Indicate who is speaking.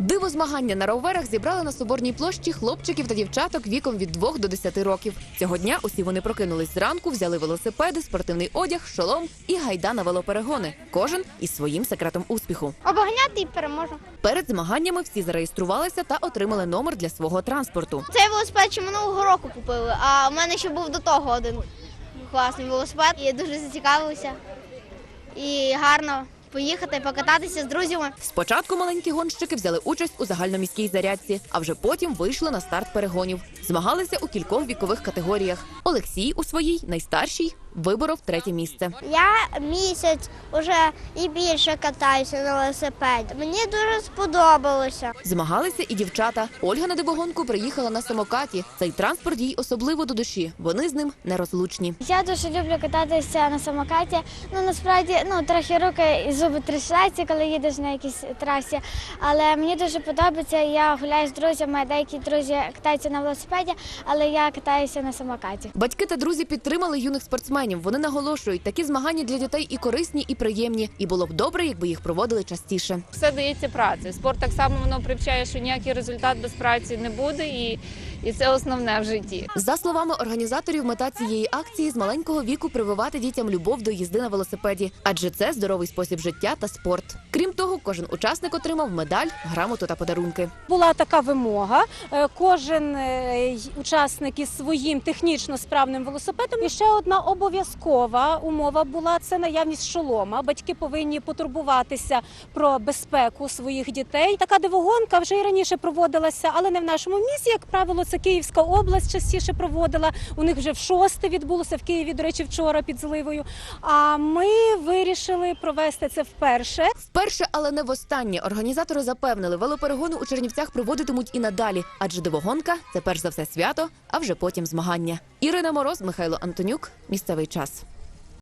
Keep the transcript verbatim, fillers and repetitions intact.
Speaker 1: Дивозмагання на роверах зібрали на Соборній площі хлопчиків та дівчаток віком від двох до десяти років. Цього дня усі вони прокинулись зранку, взяли велосипеди, спортивний одяг, шолом і гайда на велоперегони. Кожен із своїм секретом успіху.
Speaker 2: Обганяти і переможу.
Speaker 1: Перед змаганнями всі зареєструвалися та отримали номер для свого транспорту.
Speaker 2: Цей велосипед ще минулого року купили, а в мене ще був до того один класний велосипед. І я дуже зацікавилася. І гарно поїхати, покататися з друзями.
Speaker 1: Спочатку маленькі гонщики взяли участь у загальноміській зарядці, а вже потім вийшли на старт перегонів. Змагалися у кількох вікових категоріях. Олексій у своїй, найстаршій, виборов третє місце.
Speaker 2: Я місяць уже і більше катаюся на велосипеді. Мені дуже сподобалося.
Speaker 1: Змагалися і дівчата. Ольга на дивогонку приїхала на самокаті. Цей транспорт їй особливо до душі. Вони з ним нерозлучні.
Speaker 3: Я дуже люблю кататися на самокаті. Ну, насправді, ну, трохи руки і зуби трясуться, коли їдеш на якійсь трасі. Але мені дуже подобається, я гуляю з друзями, деякі друзі катаються на велосипеді, але я катаюся на самокаті.
Speaker 1: Батьки та друзі підтримали юних спортсменів. Вони наголошують, такі змагання для дітей і корисні, і приємні. І було б добре, якби їх проводили частіше.
Speaker 4: Все дається працею. Спорт так само воно привчає, що ніякий результат без праці не буде, і, і це основне в житті.
Speaker 1: За словами організаторів, мета цієї акції – з маленького віку прививати дітям любов до їзди на велосипеді. Адже це здоровий спосіб життя та спорт. Крім того, кожен учасник отримав медаль, грамоту та подарунки.
Speaker 5: Була така вимога. Кожен учасник із своїм технічно справним велосипедом. І ще одна обов'язкова умова була – це наявність шолома. Батьки повинні потурбуватися про безпеку своїх дітей. Така дивогонка вже і раніше проводилася, але не в нашому місті. Як правило, це Київська область частіше проводила. У них вже в шосте відбулося, в Києві, до речі, вчора під Зливою. А ми вирішили провести це вперше.
Speaker 1: Вперше, але не востаннє. Організатори запевнили, велоперегони у Чернівцях проводитимуть і надалі. Адже дивогонка – це перш за все свято, а вже потім змагання. Ірина Мороз, Михайло Антонюк. Місцевий час.